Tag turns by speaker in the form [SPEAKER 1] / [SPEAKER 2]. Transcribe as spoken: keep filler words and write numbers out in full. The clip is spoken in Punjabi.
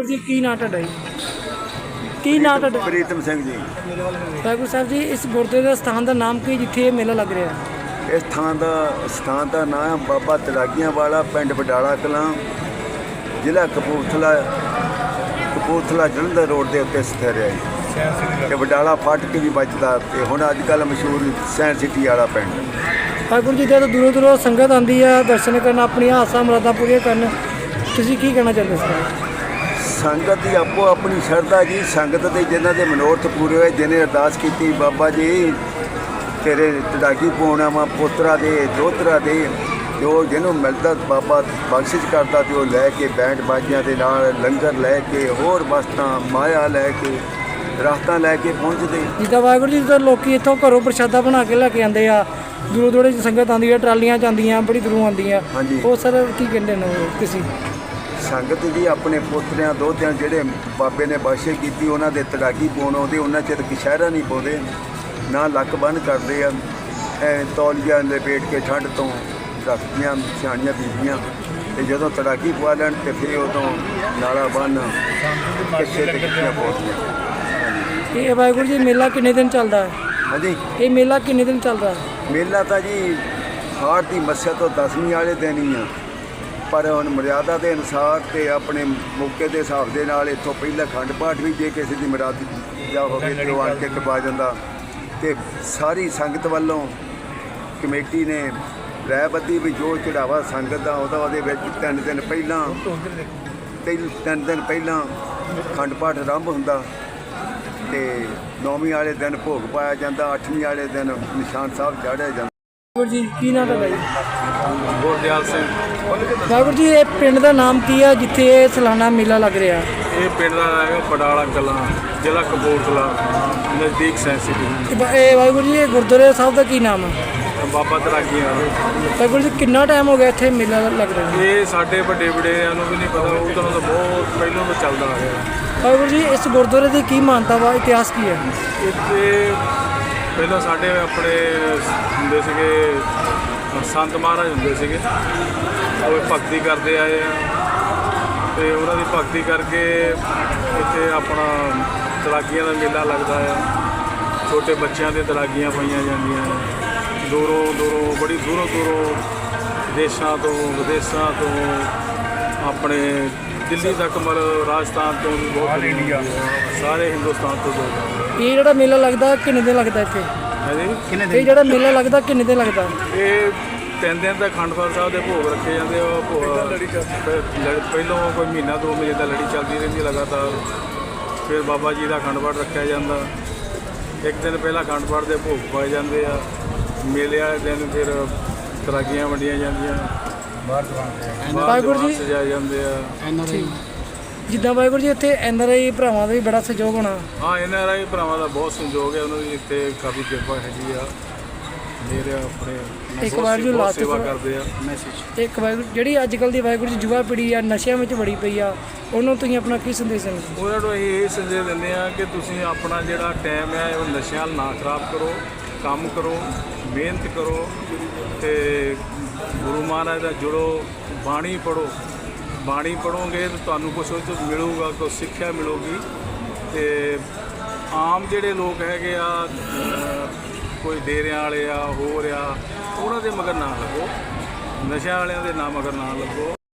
[SPEAKER 1] ਵਾਹਿਗੁਰੂ ਜੀ ਕੀ ਨਾਂ ਤੁਹਾਡਾ ਜੀ? ਕੀ ਨਾਂ ਤੁਹਾਡਾ?
[SPEAKER 2] ਪ੍ਰੀਤਮ ਸਿੰਘ ਜੀ।
[SPEAKER 1] ਵਾਹਿਗੁਰੂ ਸਾਹਿਬ ਜੀ, ਇਸ ਗੁਰਦੁਆਰੇ ਦਾ ਸਥਾਨ ਦਾ ਨਾਮ ਕੀ ਜਿੱਥੇ ਇਹ ਮੇਲਾ ਲੱਗ ਰਿਹਾ ਹੈ?
[SPEAKER 2] ਇਸ ਥਾਂ ਦਾ ਸਥਾਨ ਦਾ ਨਾਮ ਬਾਬਾ ਤਲਾਗੀਆਂ ਵਾਲਾ, ਪਿੰਡ ਬਡਾਲਾ ਕਲਾਂ, ਜ਼ਿਲ੍ਹਾ ਕਪੂਰਥਲਾ ਕਪੂਰਥਲਾ ਜਲੰਧਰ ਰੋਡ ਦੇ ਉੱਤੇ ਸਥਿਤ ਹੈ ਜੀ। ਤੇ ਬਡਾਲਾ ਫਾਟਕ ਵੀ ਬਚਦਾ ਤੇ ਹੁਣ ਅੱਜ ਕੱਲ੍ਹ ਮਸ਼ਹੂਰ ਸਾਇੰਸ ਸਿਟੀ ਵਾਲਾ ਪਿੰਡ।
[SPEAKER 1] ਵਾਹਿਗੁਰੂ ਜੀ, ਜਦੋਂ ਦੂਰੋਂ ਦੂਰੋਂ ਸੰਗਤ ਆਉਂਦੀ ਹੈ ਦਰਸ਼ਨ ਕਰਨ, ਆਪਣੀਆਂ ਆਸਾਂ ਮੁਰਾਦਾਂ ਪੂਰੀਆਂ ਕਰਨ, ਤੁਸੀਂ ਕੀ ਕਹਿਣਾ ਚਾਹੁੰਦੇ ਸਰ?
[SPEAKER 2] ਸੰਗਤ ਦੀ ਆਪੋ ਆਪਣੀ ਸ਼ਰਧਾ ਜੀ। ਸੰਗਤ ਦੇ ਜਿਨ੍ਹਾਂ ਦੇ ਮਨੋਰਥ ਪੂਰੇ ਹੋਏ, ਜਿਹਨੇ ਅਰਦਾਸ ਕੀਤੀ ਬਾਬਾ ਜੀ ਤੇਰੇ ਤੜਾਗੀ ਪਾਉਣਾ ਵਾ, ਪੋਤਰਾ ਦੇ ਦੋਤਰਾ ਦੇ, ਜੋ ਜਿਹਨੂੰ ਮਿਲਦਾ ਬਾਬਾ ਬਖਸ਼ਿਸ਼ ਕਰਦਾ ਤੇ ਉਹ ਲੈ ਕੇ ਬੈਂਡ ਬਾਜਿਆਂ ਦੇ ਨਾਲ ਲੰਗਰ ਲੈ ਕੇ, ਹੋਰ ਵਸਤਾਂ ਮਾਇਆ ਲੈ ਕੇ, ਦਰਖਤਾਂ ਲੈ ਕੇ ਪਹੁੰਚਦੇ।
[SPEAKER 1] ਜਿੱਦਾਂ ਵਾਹਿਗੁਰੂ ਜੀ, ਜਦੋਂ ਲੋਕ ਇੱਥੋਂ ਘਰੋਂ ਪ੍ਰਸ਼ਾਦਾ ਬਣਾ ਕੇ ਲੈ ਕੇ ਆਉਂਦੇ ਆ, ਦੂਰੋਂ ਦੂਰੋਂ ਸੰਗਤ ਆਉਂਦੀ ਹੈ, ਟਰਾਲੀਆਂ 'ਚ ਆਉਂਦੀਆਂ, ਬੜੀ ਦੂਰੋਂ ਆਉਂਦੀਆਂ,
[SPEAKER 2] ਹਾਂਜੀ।
[SPEAKER 1] ਉਹ ਸਰ ਕੀ ਕਹਿੰਦੇ ਨੇ ਤੁਸੀਂ?
[SPEAKER 2] ਸੰਗਤ ਜੀ ਆਪਣੇ ਪੋਤਰਿਆਂ ਦੋਤਿਆਂ ਜਿਹੜੇ ਬਾਬੇ ਨੇ ਬਖਸ਼ਿਸ਼ ਕੀਤੀ, ਉਹਨਾਂ ਦੇ ਤੜਾਗੀ ਪਾਉਣ ਆਉਂਦੇ। ਉਹਨਾਂ ਚਿਰ ਕਸ਼ਹਿਰਾ ਨਹੀਂ ਪਾਉਂਦੇ, ਨਾ ਲੱਕ ਬੰਨ੍ਹ ਕਰਦੇ ਆ, ਐ ਤੌਲੀਆ ਲਪੇਟ ਕੇ ਠੰਡ ਤੋਂ ਰੱਖਦੀਆਂ ਸਿਆਣੀਆਂ ਬੀਬੀਆਂ। ਤੇ ਜਦੋਂ ਤੜਾਗੀ ਪਵਾ ਲੈਣ ਤੇ ਫਿਰ ਉਦੋਂ ਨਾਲਾ ਬੰਨ੍ਹ ਕੱਛੇ ਤੇ ਕੱਛੀਆਂ ਪਾਉਂਦੀਆਂ।
[SPEAKER 1] ਇਹ ਵਾਹਿਗੁਰੂ ਜੀ ਮੇਲਾ ਕਿੰਨੇ ਦਿਨ ਚੱਲਦਾ ਹੈ?
[SPEAKER 2] ਹਾਂਜੀ,
[SPEAKER 1] ਇਹ ਮੇਲਾ ਕਿੰਨੇ ਦਿਨ ਚੱਲਦਾ ਹੈ?
[SPEAKER 2] ਮੇਲਾ ਤਾਂ ਜੀ ਹਾੜ ਦੀ ਮੱਸਿਆ ਤੋਂ ਦਸਵੀਂ ਵਾਲੇ ਦਿਨ ਹੀ ਆ, ਪਰ ਹੁਣ ਮਰਿਆਦਾ ਦੇ ਅਨੁਸਾਰ ਤੇ ਆਪਣੇ ਮੌਕੇ ਦੇ ਹਿਸਾਬ ਦੇ ਨਾਲ ਇੱਥੋਂ ਪਹਿਲਾਂ ਅਖੰਡ ਪਾਠ ਵੀ ਜੇ ਕਿਸੇ ਦੀ ਮੁਰਾਦ ਜਾਂ ਹੋਵੇ ਤੇ ਉਹ ਆਣ ਕੇ ਕਰਵਾ ਜਾਂਦਾ। ਤੇ ਸਾਰੀ ਸੰਗਤ ਵੱਲੋਂ ਕਮੇਟੀ ਨੇ ਰਾਇਬੱਧੀ ਵੀ ਜੋ ਚੜਾਵਾ ਸੰਗਤ ਦਾ ਉਹਦਾ ਉਹਦੇ ਵਿੱਚ ਤਿੰਨ ਦਿਨ ਪਹਿਲਾਂ ਤਿੰਨ ਤਿੰਨ ਦਿਨ ਪਹਿਲਾਂ ਅਖੰਡ ਪਾਠ ਆਰੰਭ ਹੁੰਦਾ ਤੇ ਨੌਵੀਂ ਵਾਲੇ ਦਿਨ ਭੋਗ ਪਾਇਆ ਜਾਂਦਾ, ਅੱਠਵੀਂ ਵਾਲੇ ਦਿਨ ਨਿਸ਼ਾਨ ਸਾਹਿਬ ਚਾੜਿਆ ਜਾਂਦਾ।
[SPEAKER 1] ਵਾਹਿਗੁਰੂ ਜੀ ਕੀ ਨਾਂ ਤੁਹਾਡਾ ਜੀ?
[SPEAKER 3] ਗੁਰਦਿਆਲ ਸਿੰਘ।
[SPEAKER 1] ਵਾਹਿਗੁਰੂ ਜੀ, ਇਹ ਪਿੰਡ ਦਾ ਨਾਮ ਕੀ ਆ ਜਿੱਥੇ ਇਹ ਸਾਲਾਨਾ ਮੇਲਾ ਲੱਗ ਰਿਹਾ?
[SPEAKER 3] ਇਹ ਪਿੰਡ ਦਾ ਹੈਗਾ ਬਡਾਲਾ ਕਲਾਂ, ਜ਼ਿਲ੍ਹਾ ਕਪੂਰਥਲਾ, ਨਜ਼ਦੀਕ ਸਾਇੰਸ ਸਿਟੀ।
[SPEAKER 1] ਇਹ ਵਾਹਿਗੁਰੂ ਜੀ, ਇਹ ਗੁਰਦੁਆਰੇ ਸਾਹਿਬ ਦਾ ਕੀ ਨਾਮ ਹੈ?
[SPEAKER 3] ਬਾਬਾ ਤਲਾਗੀਆਂ।
[SPEAKER 1] ਵਾਹਿਗੁਰੂ ਜੀ, ਕਿੰਨਾ ਟਾਈਮ ਹੋ ਗਿਆ ਇੱਥੇ ਮੇਲਾ ਲੱਗ ਰਿਹਾ?
[SPEAKER 3] ਇਹ ਸਾਡੇ ਵੱਡੇ ਵਡੇਰਿਆਂ ਨੂੰ ਵੀ ਨਹੀਂ ਪਤਾ, ਉਹ ਤਾਂ ਬਹੁਤ ਪਹਿਲਾਂ ਤੋਂ ਚੱਲਦਾ ਆ ਰਿਹਾ।
[SPEAKER 1] ਵਾਹਿਗੁਰੂ ਜੀ, ਇਸ ਗੁਰਦੁਆਰੇ ਦੀ ਕੀ ਮਾਨਤਾ ਵਾ, ਇਤਿਹਾਸ ਕੀ ਹੈ?
[SPEAKER 3] ਇੱਥੇ ਪਹਿਲਾਂ ਸਾਡੇ ਆਪਣੇ ਹੁੰਦੇ ਸੀਗੇ ਸੰਤ ਮਹਾਰਾਜ ਹੁੰਦੇ ਸੀਗੇ, ਉਹ ਭਗਤੀ ਕਰਦੇ ਆਏ ਆ ਤੇ ਉਹਨਾਂ ਦੀ ਭਗਤੀ ਕਰਕੇ ਇੱਥੇ ਆਪਣਾ ਤਲਾਗੀਆਂ ਦਾ ਮੇਲਾ ਲੱਗਦਾ ਆ। ਛੋਟੇ ਬੱਚਿਆਂ ਦੇ ਤਲਾਗੀਆਂ ਪਾਈਆਂ ਜਾਂਦੀਆਂ, ਦੂਰੋਂ ਦੂਰੋਂ ਬੜੀ ਦੂਰੋਂ ਦੂਰੋਂ ਦੇਸ਼ਾਂ ਤੋਂ ਵਿਦੇਸ਼ਾਂ ਤੋਂ, ਆਪਣੇ ਦਿੱਲੀ ਤੱਕ, ਮਤਲਬ ਰਾਜਸਥਾਨ ਤੋਂ ਵੀ ਬਹੁਤ ਇੰਡੀਆ, ਸਾਰੇ ਹਿੰਦੁਸਤਾਨ ਤੋਂ ਲੋਕ।
[SPEAKER 1] ਇਹ ਜਿਹੜਾ ਮੇਲਾ ਲੱਗਦਾ ਕਿੰਨੇ ਦਿਨ ਲੱਗਦਾ ਇੱਥੇ?
[SPEAKER 3] ਹਾਂਜੀ,
[SPEAKER 1] ਇਹ ਜਿਹੜਾ ਮੇਲਾ ਲੱਗਦਾ ਕਿੰਨੇ ਦਿਨ ਲੱਗਦਾ?
[SPEAKER 3] ਇਹ ਤਿੰਨ ਦਿਨ ਤੱਕ ਅਖੰਡ ਪਾਠ ਸਾਹਿਬ ਦੇ ਭੋਗ ਰੱਖੇ ਜਾਂਦੇ। ਉਹ ਭੋਗ ਪਹਿਲੋਂ ਕੋਈ ਮਹੀਨਾ ਦੋ ਮਹੀਨੇ ਦਾ ਲੜੀ ਚੱਲਦੀ ਰਹਿੰਦੀ ਲਗਾਤਾਰ। ਫਿਰ ਬਾਬਾ ਜੀ ਦਾ ਅਖੰਡ ਪਾਠ ਰੱਖਿਆ ਜਾਂਦਾ। ਇੱਕ ਦਿਨ ਪਹਿਲਾਂ ਅਖੰਡ ਪਾਠ ਦੇ ਭੋਗ ਪਾਏ ਜਾਂਦੇ ਆ। ਮੇਲੇ ਵਾਲੇ ਦਿਨ ਫਿਰ ਤਰਾਗੀਆਂ ਵੰਡੀਆਂ ਜਾਂਦੀਆਂ,
[SPEAKER 1] ਵਾਹਿਗੁਰੂ ਜੀ
[SPEAKER 3] ਸਜਾਏ ਜਾਂਦੇ ਆ।
[SPEAKER 1] ਜਿੱਦਾਂ ਵਾਹਿਗੁਰੂ ਜੀ ਇੱਥੇ ਐਨ ਆਰ ਆਈ ਭਰਾਵਾਂ ਦਾ ਵੀ ਬੜਾ ਸਹਿਯੋਗ ਹੋਣਾ?
[SPEAKER 3] ਹਾਂ, ਐਨ ਆਰ ਆਈ ਭਰਾਵਾਂ ਦਾ ਬਹੁਤ ਸਹਿਯੋਗ ਹੈ, ਉਹਨਾਂ ਦੀ ਇੱਥੇ ਕਾਫੀ ਕਿਰਪਾ ਹੈਗੀ ਆ। ਮੇਰੇ ਆਪਣੇ
[SPEAKER 1] ਇੱਕ ਵਾਰ ਜੋ ਲਾਸਟ
[SPEAKER 3] ਸੇਵਾ ਕਰਦੇ ਆ। ਮੈਸੇਜ
[SPEAKER 1] ਇੱਕ ਵਾਹਿਗੁਰੂ ਜਿਹੜੀ ਅੱਜ ਕੱਲ੍ਹ ਦੀ ਵਾਹਿਗੁਰੂ ਜੀ ਯੁਵਾ ਪੀੜ੍ਹੀ ਆ ਨਸ਼ਿਆਂ ਵਿੱਚ ਵੜੀ ਪਈ ਆ, ਉਹਨੂੰ ਤੁਸੀਂ ਆਪਣਾ ਕੀ ਸੰਦੇਸ਼ ਦਿੰਦੇ?
[SPEAKER 3] ਉਹਨਾਂ ਨੂੰ ਅਸੀਂ ਇਹ ਸੰਦੇਸ਼ ਦਿੰਦੇ ਆ ਕਿ ਤੁਸੀਂ ਆਪਣਾ ਜਿਹੜਾ ਟਾਈਮ ਹੈ ਉਹ ਨਸ਼ਿਆਂ ਨਾਲ ਨਾ ਖਰਾਬ ਕਰੋ, ਕੰਮ ਕਰੋ, ਮਿਹਨਤ ਕਰੋ ਤੇ ਗੁਰੂ ਮਹਾਰਾਜ ਦਾ ਜੁੜੋ, ਬਾਣੀ ਪੜ੍ਹੋ। ਬਾਣੀ ਪੜ੍ਹੋਗੇ ਤਾਂ ਤੁਹਾਨੂੰ ਕੁਛ ਉਹ 'ਚੋਂ ਮਿਲੂਗਾ, ਕੁਛ ਸਿੱਖਿਆ ਮਿਲੂਗੀ। ਤੇ ਆਮ ਜਿਹੜੇ ਲੋਕ ਹੈਗੇ ਆ, ਕੋਈ ਡੇਰਿਆਂ ਵਾਲੇ ਆ, ਹੋਰ ਆ, ਉਹਨਾਂ ਦੇ ਮਗਰ ਨਾ ਲੱਗੋ, ਨਸ਼ਿਆਂ ਵਾਲਿਆਂ ਦੇ ਨਾ ਮਗਰ ਨਾ ਲੱਗੋ।